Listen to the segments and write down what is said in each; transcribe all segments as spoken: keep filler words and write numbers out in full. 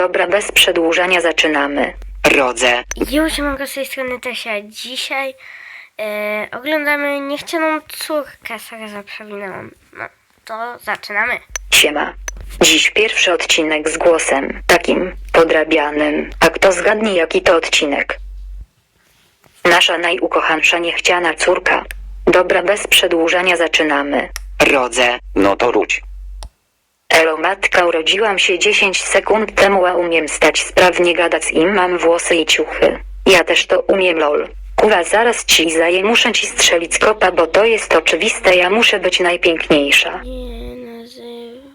Dobra, bez przedłużania zaczynamy. Rodzę. Już mogę z tej strony Tesia. Dzisiaj e, oglądamy Niechcianą córkę. Sorry, że przewinęłam. No, to zaczynamy. Siema. Dziś pierwszy odcinek z głosem takim podrabianym. A kto zgadnie, jaki to odcinek? Nasza najukochansza niechciana córka. Dobra, bez przedłużania zaczynamy. Rodzę. No to rudź. Elo matka, urodziłam się dziesięć sekund temu, a umiem stać sprawnie, gadać im, mam włosy i ciuchy. Ja też to umiem, lol. Kuwa, zaraz ci zaję, muszę ci strzelić kopa, bo to jest oczywiste, ja muszę być najpiękniejsza. Nie nazywa...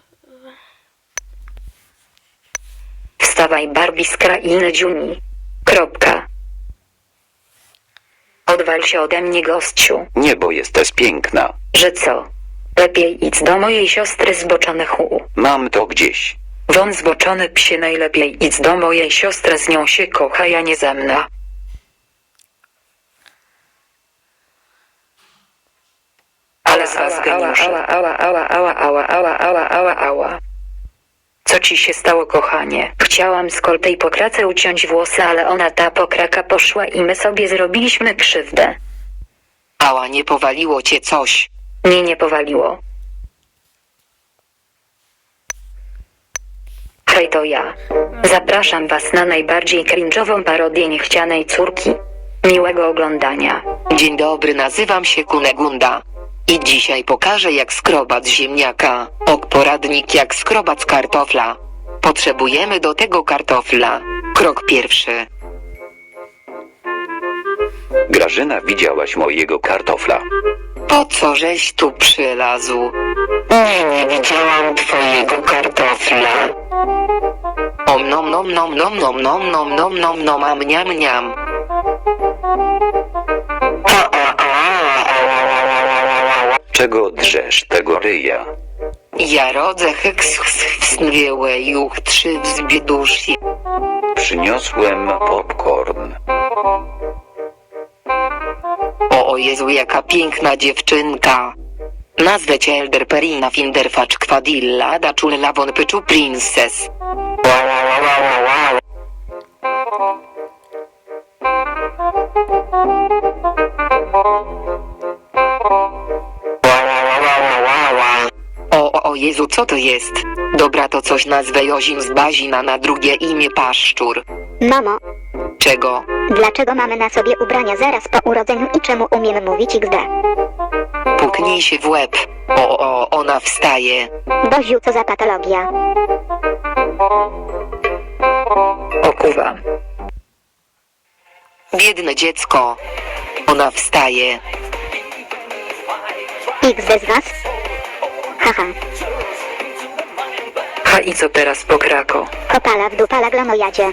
Wstawaj, Barbie z krainy dziuni. Kropka. Odwal się ode mnie, gościu. Nie, bo jesteś piękna. Że co? Lepiej idź do mojej siostry, zboczony chu. Mam to gdzieś. Won zboczony psie, najlepiej idź do mojej siostry, z nią się kocha, ja nie ze mną. Ale z was geniusze. Ała, ała, ała, ała, ała, ała, ała, ała. Co ci się stało, kochanie? Chciałam z koltej pokrace uciąć włosy, ale ona ta pokraka poszła i my sobie zrobiliśmy krzywdę. Ała, nie powaliło cię coś. Mnie nie powaliło. Hej, to ja. Zapraszam was na najbardziej cringe'ową parodię niechcianej córki. Miłego oglądania. Dzień dobry, nazywam się Kunegunda. I dzisiaj pokażę, jak skrobać ziemniaka. Ok, poradnik, jak skrobać kartofla. Potrzebujemy do tego kartofla. Krok pierwszy. Grażyna, widziałaś mojego kartofla? Po co żeś tu przylazł? Nie, nie widziałam twojego kartofla. Om nom nom nom nom nom nom nom nom nom nom am niam niam. A, a, a, a, a, a. Czego drzesz tego ryja? Ja rodzę heks wsnwiełe juch trzy wzbieduszy. Przyniosłem popcorn. O, o Jezu, jaka piękna dziewczynka. Nazwę cię Elder Perina Finderfacz Quadilla da Chulella von Pyczu Princess. Wow, wow, wow, wow, wow. Wow, wow, wow, wow, wow. O, o, o Jezu, co to jest? Dobra, to coś nazwę Jozim z Bazina, na drugie imię Paszczur. Mamo, Czego? dlaczego mamy na sobie ubrania zaraz po urodzeniu i czemu umiem mówić iks de? Puknij się w łeb. O, o, ona wstaje. Boziu, co za patologia. O kuwa. Biedne dziecko. Ona wstaje. iks de z was? Haha, Ha, i co teraz, pokrako? kopala w dupala glonojadzie.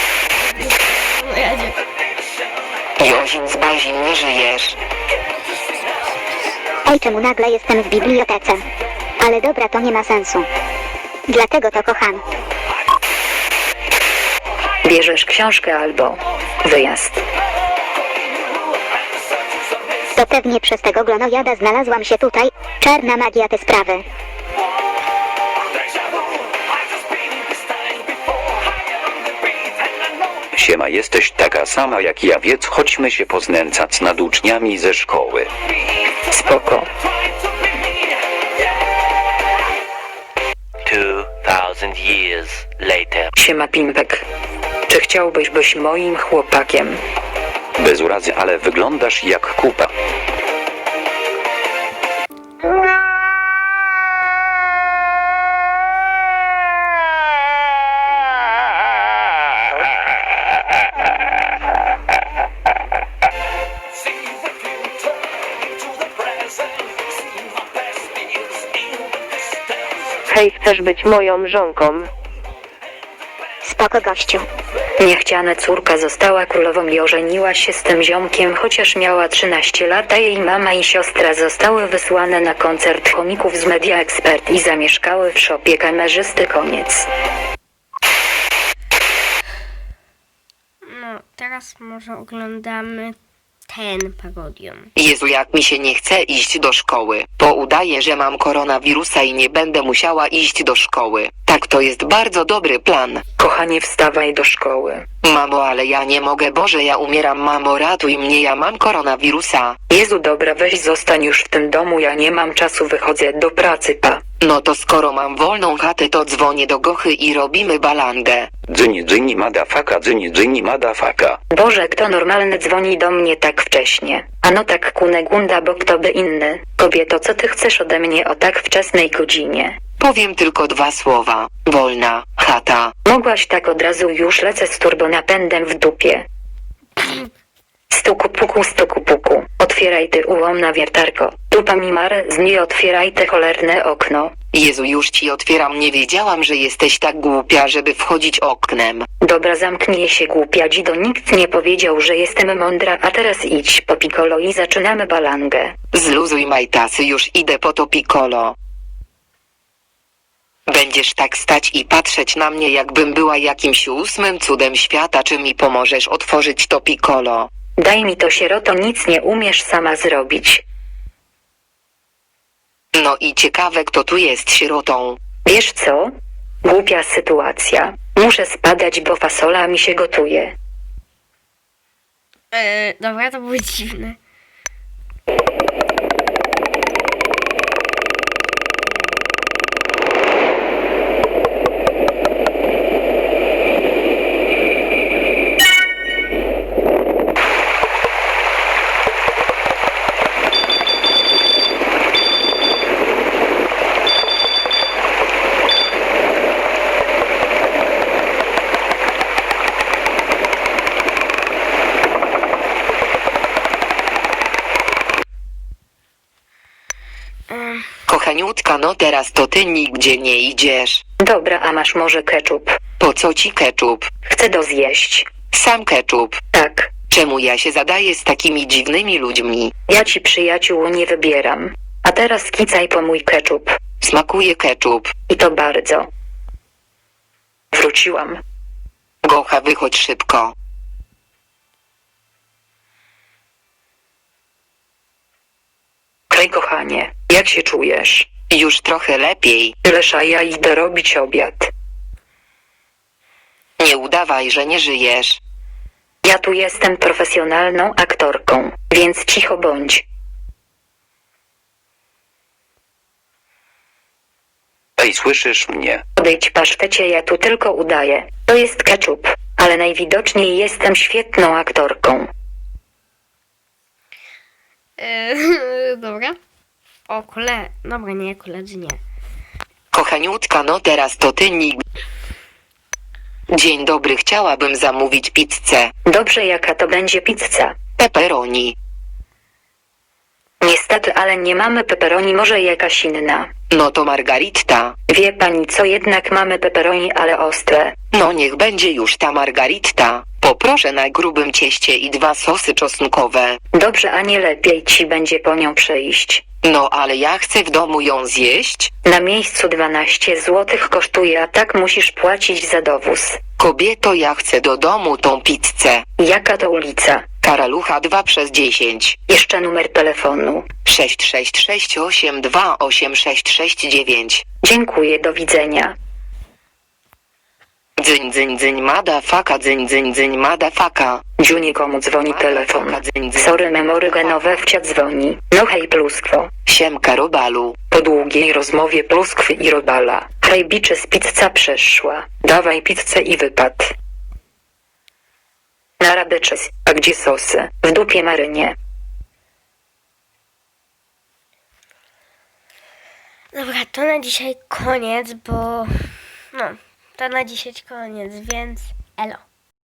Jozim z Bazin, nie żyjesz. Oj, czemu nagle jestem w bibliotece? Ale dobra, to nie ma sensu. Dlatego to kocham. Bierzesz książkę albo wyjazd. To pewnie przez tego glonojada znalazłam się tutaj. Czarna magia te sprawy. Siema, jesteś taka sama jak ja, więc chodźmy się poznęcać nad uczniami ze szkoły. Spoko. Two thousand years later. Siema, Pimpek. Czy chciałbyś być moim chłopakiem? Bez urazy, ale wyglądasz jak kupa. Hej, chcesz być moją żonką? Spoko, gościu. Niechciana córka została królową i ożeniła się z tym ziomkiem, chociaż miała trzynaście lat, a jej mama i siostra zostały wysłane na koncert chomików z Media Expert i zamieszkały w szopie kamerzysty. Koniec. No, teraz może oglądamy ten parodią. Jezu, jak mi się nie chce iść do szkoły. Bo udaję, że mam koronawirusa i nie będę musiała iść do szkoły. Tak, to jest bardzo dobry plan. Kochanie, wstawaj do szkoły. Mamo, ale ja nie mogę, Boże, ja umieram, mamo, ratuj mnie, ja mam koronawirusa. Jezu, dobra, weź zostań już w tym domu, ja nie mam czasu, wychodzę do pracy, pa. No to skoro mam wolną chatę, to dzwonię do Gochy i robimy balangę. Dzyni dzyni madafaka, dzyni dzyni madafaka. Boże, kto normalny dzwoni do mnie tak wcześnie? Ano tak, Kunegunda, bo kto by inny? Kobieto, co ty chcesz ode mnie o tak wczesnej godzinie? Powiem tylko dwa słowa. Wolna chata. Mogłaś tak od razu, już lecę z turbonapędem w dupie. Stuku puku, stuku puku. Otwieraj ty ułomna wiertarko. Dupa mi mar, z niej otwieraj te cholerne okno. Jezu, już ci otwieram, nie wiedziałam, że jesteś tak głupia, żeby wchodzić oknem. Dobra, zamknij się, głupia dzido, nikt nie powiedział, że jestem mądra, a teraz idź po piccolo i zaczynamy balangę. Zluzuj majtasy, już idę po to piccolo. Będziesz tak stać i patrzeć na mnie, jakbym była jakimś ósmym cudem świata, czy mi pomożesz otworzyć to piccolo? Daj mi to, sieroto, nic nie umiesz sama zrobić. No i ciekawe, kto tu jest sierotą. Wiesz co? Głupia sytuacja. Muszę spadać, bo fasola mi się gotuje. Eee, dobra, to było dziwne. Kochaniutka, no teraz to ty nigdzie nie idziesz. Dobra, a masz może keczup? Po co ci keczup? Chcę to zjeść. Sam keczup. Tak. Czemu ja się zadaję z takimi dziwnymi ludźmi? Ja ci przyjaciół nie wybieram. A teraz kicaj po mój keczup. Smakuje keczup. I to bardzo. Wróciłam. Gocha, wychodź szybko. Hej kochanie, jak się czujesz? Już trochę lepiej. Tyleż, a ja idę robić obiad. Nie udawaj, że nie żyjesz. Ja tu jestem profesjonalną aktorką, więc cicho bądź. Ej, słyszysz mnie? Odejdź, pasztecie, ja tu tylko udaję. To jest keczup, ale najwidoczniej jestem świetną aktorką. Eee, dobra. O, kole... Dobra, nie, koledzy nie. Kochaniutka, no teraz to ty nigdy. Dzień dobry, chciałabym zamówić pizzę. Dobrze, jaka to będzie pizza? Pepperoni. Niestety, ale nie mamy pepperoni, może jakaś inna. No to margaritta. Wie pani co, jednak mamy pepperoni, ale ostre. No niech będzie już ta margaritta. Poproszę na grubym cieście i dwa sosy czosnkowe. Dobrze, a nie lepiej ci będzie po nią przejść. No ale ja chcę w domu ją zjeść. Na miejscu dwanaście złotych kosztuje, a tak musisz płacić za dowóz. Kobieto, ja chcę do domu tą pizzę. Jaka to ulica? Karalucha dwa przez dziesięć. Jeszcze numer telefonu. sześć sześć sześć osiem dwa osiem sześć sześć dziewięć. Dziękuję, do widzenia. Dzyń dzyń dzyń madafaka, dzyń dzyń dzyń madafaka. Dziunie, komu dzwoni telefon? Sorry, memory genowe wcia dzwoni. No hej, pluskwo. Siemka, robalu. Po długiej rozmowie pluskwy i robala. Hej, biczy, z pizza przeszła. Dawaj pizzę i wypad. Na rabyczes. A gdzie sosy? W dupie Marynie. Dobra, to na dzisiaj koniec, bo... No, to na dzisiaj koniec, więc elo.